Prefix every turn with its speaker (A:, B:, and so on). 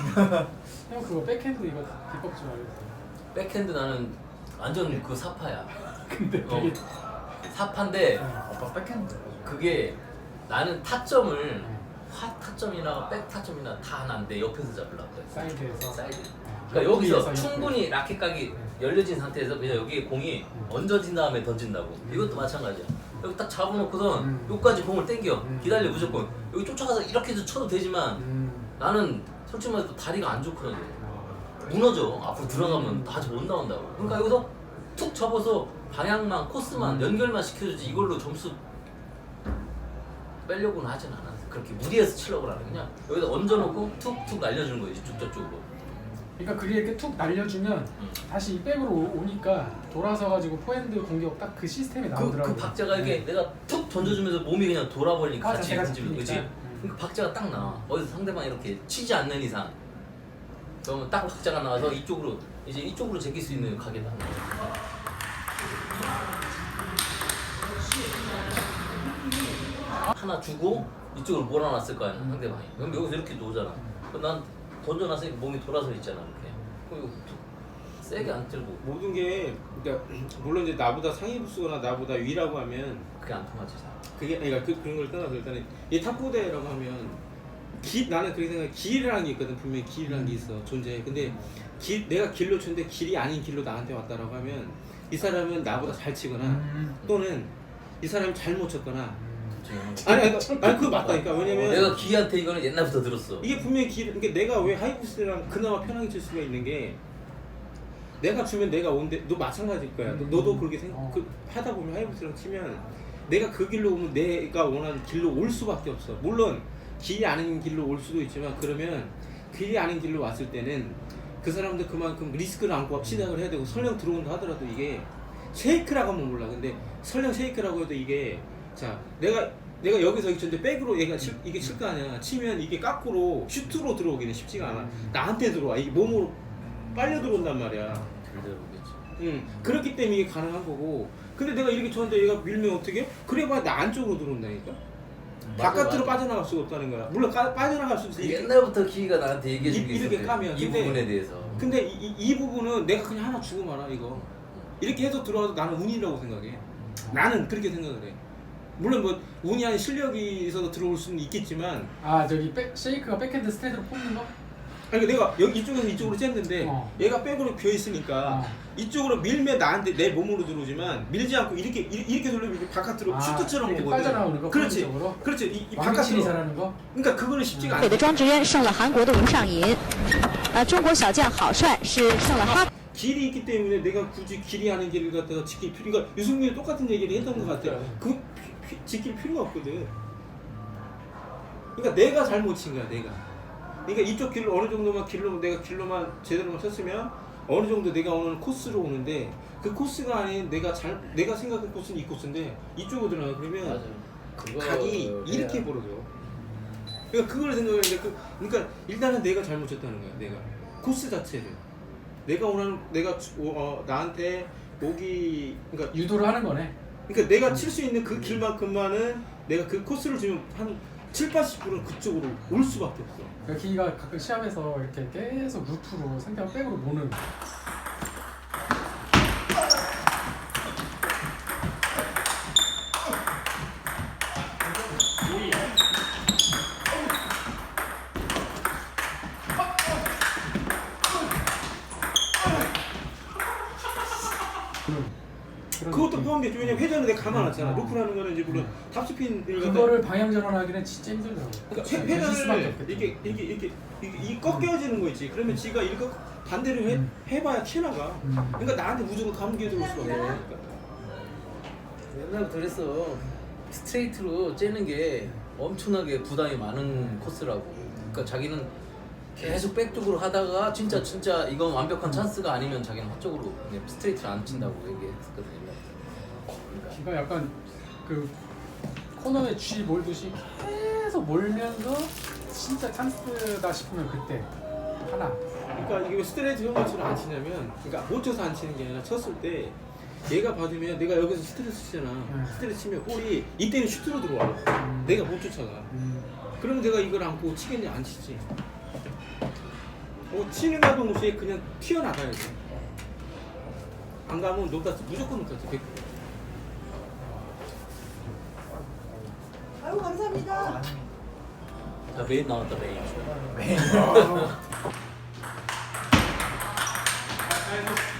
A: 형 그거 백핸드 이거 비법 좀 알려주세요.
B: 백핸드 나는 완전 그 사파야.
A: 근데 되게
B: 사파인데
C: 아빠 백핸드.
B: 그게 나는 타점을 화 타점이나 백 타점이나 다 하나인데 옆에서 잡으려고 해.
A: 사이드에서.
B: 사이드. 그러니까 여기서
A: 여기에서
B: 충분히 라켓 각이 열려진 상태에서 그냥 여기에 공이 얹어진 다음에 던진다고. 이것도 마찬가지야. 여기 딱 잡아놓고선 여기까지 공을 당겨. 기다려 무조건. 여기 쫓아가서 이렇게 해서 쳐도 되지만 나는 솔직히 말해서 다리가 안 좋거든. 무너져. 앞으로 들어가면 다시 못 나온다고. 그러니까 여기서 툭 접어서 방향만 코스만 연결만 시켜주지 이걸로 점수 빼려고는 하진 않았어. 그렇게 무리해서 치려고 하는 그냥 여기다 얹어놓고 툭툭 날려주는 거지 이쪽 저쪽으로.
A: 그러니까 그게 이렇게 툭 날려주면 다시 이 백으로 오니까 돌아서 가지고 포핸드 공격 딱 그 시스템이 나오더라고요.
B: 그 박자가 이게 내가 툭 던져주면서 몸이 그냥 돌아버리니까
A: 맞아,
B: 같이
A: 제가
B: 던지면 그치?
A: 잡히니까.
B: 그러니까 박자가 딱 나와. 어디서 상대방이 이렇게 치지 않는 이상 그러면 딱 박자가 나와서 이쪽으로 이제 이쪽으로 제낄 수 있는 가게다. 하나 주고 이쪽으로 몰아놨을 거 아니야 상대방이. 그럼 여기서 이렇게 놓잖아. 그럼 난 던져놨으니까 몸이 돌아서 있잖아 이렇게. 그럼 이거 툭 세게 안 들고
D: 모든 게 그러니까 물론 이제 나보다 상위 부수거나 나보다 위라고 하면
B: 그게 안 통하지 잘.
D: 그게 그러니까 그런 걸 떠나서 일단은 이 탑4대라고 하면 나는 그렇게 생각해. 길이라는 게 있거든. 분명히 길이라는 게 있어 존재해. 근데 내가 길로 쳤는데 길이 아닌 길로 나한테 왔다라고 하면 이 사람은 나보다 잘 치거나 또는 이 사람이 잘못 쳤거나 아니 그거 맞다니까. 왜냐면
B: 내가 기한테 이거는 옛날부터 들었어.
D: 이게 분명히 그러니까 내가 왜 하이브스랑 그나마 편하게 칠 수가 있는 게 내가 주면 내가 온데 너 마찬가지일 거야. 너도 그렇게 하다 보면 하이브스랑 치면 내가 그 길로 오면 내가 원하는 길로 올 수밖에 없어. 물론 길이 아닌 길로 올 수도 있지만 그러면 길이 아닌 길로 왔을 때는 그 사람도 그만큼 리스크를 안고 시작을 해야 되고 설령 들어온다 하더라도 이게 쉐이크라고 하면 몰라. 근데 설령 쉐이크라고 해도 이게 자 내가 여기서 쳤는데 백으로 이게 칠 거 아니야. 치면 이게 깎으로 슈트로 들어오기는 쉽지가 않아. 나한테 들어와. 이게 몸으로 빨려 들어온단 말이야.
B: 들어오겠지.
D: 그렇기 때문에 이게 가능한 거고. 근데 내가 이렇게 쳤는데 얘가 밀면 어떻게? 그래봐야 나 안쪽으로 들어온다니까. 바깥으로 빠져나갈 수가 없다는 거야. 물론 빠져나갈 수도 있어.
B: 옛날부터 기가 나한테 얘기해준 게
D: 이렇게
B: 있었대.
D: 까면.
B: 이 부분에 대해서.
D: 근데 이 부분은 내가 그냥 하나 주고 말아 이거. 이렇게 해서 들어와도 나는 운이라고 생각해. 나는 그렇게 생각을 해. 물론 뭐 운이 아닌 실력이 있어서 들어올 수는 있겠지만
A: 저기 쉐이크가 백핸드 스트레이트로 뽑는 거?
D: 아니 내가 여기 이쪽에서 이쪽으로 쨌는데 얘가 백으로 비어 있으니까 이쪽으로 밀면 나한테 내 몸으로 들어오지만 밀지 않고 이렇게 돌리면 이렇게 바깥으로 슈트처럼
A: 이렇게
D: 오거든.
A: 빠져나오는 거.
D: 그렇지.
A: 포핸드적으로?
D: 그렇지. 이
A: 왕치리
D: 바깥으로.
A: 잘하는 거?
D: 그러니까 그거는 쉽지가
E: 北
D: 않아.
E: 的庄智渊胜了韩国的吴尚银，中国小将郝帅是胜了哈。
D: 길이 있기 때문에 내가 굳이 길이 아닌 길을 갖다가 지킬 필요가 유승민이 똑같은 얘기를 했던 것 같아. 그 지킬 필요가 없거든. 그러니까 내가 잘못 친 거야 내가. 그러니까 이쪽 길로 어느 정도만 내가 길로만 제대로만 쳤으면 어느 정도 내가 오는 코스로 오는데 그 코스가 아닌 내가 생각한 코스는 이 코스인데 이쪽으로 들어가 그러면 각이 이렇게 벌어져. 그러니까 그걸 생각했는데 그러니까 일단은 내가 잘못 쳤다는 거야 내가 코스 자체를. 내가 원하는 나한테 오기 그러니까
A: 유도를 하는 거네.
D: 그러니까 내가 칠 수 있는 그 길만큼만은 내가 그 코스를 주면 한 70~80%는 그쪽으로 올 수밖에 없어.
A: 그러니까 기가 가끔 시합에서 이렇게 계속 루프로 상대방 백으로 모는.
D: 그것도 포함되죠. 왜냐면 회전을 내가 감아놨잖아. 루프라는 거는 이제 물론 탑스핀을
A: 그거를 방향 전환하기는 진짜 힘들더라고.
D: 그러니까 회전을 이렇게 꺾여지는 거 있지. 그러면 지가 이렇게 반대로 해봐야 튀어나가. 그러니까 나한테 무조건 감기에 들어올 수가 없어.
B: 옛날부터 그랬어. 스트레이트로 째는 게 엄청나게 부담이 많은 코스라고. 그러니까 자기는 계속 백쪽으로 하다가 진짜 이건 완벽한 찬스가 아니면 자기는 헛쪽으로 그냥 스트레이트를 안 친다고 얘기했었거든.
A: 기가 약간 그 코너에 쥐 몰듯이 계속 몰면서 진짜 찬스다 싶으면 그때 하나.
D: 그러니까 이게 왜 스트레이트 형식으로 안 치냐면, 그러니까 못 쳐서 안 치는 게 아니라 쳤을 때 얘가 받으면 내가 여기서 스트레이트 치잖아. 스트레이트 치면 볼이 이때는 슈트로 들어와. 내가 못 쫓아가. 그러면 내가 이걸 안고 치겠냐? 안 치지. 치는 가도 못해 그냥 튀어나가야 돼. 안 가면 노다스 무조건 노다스 100%.
C: 아유 감사합니다.
B: 자, 메인 나왔다, 메인.
A: 아,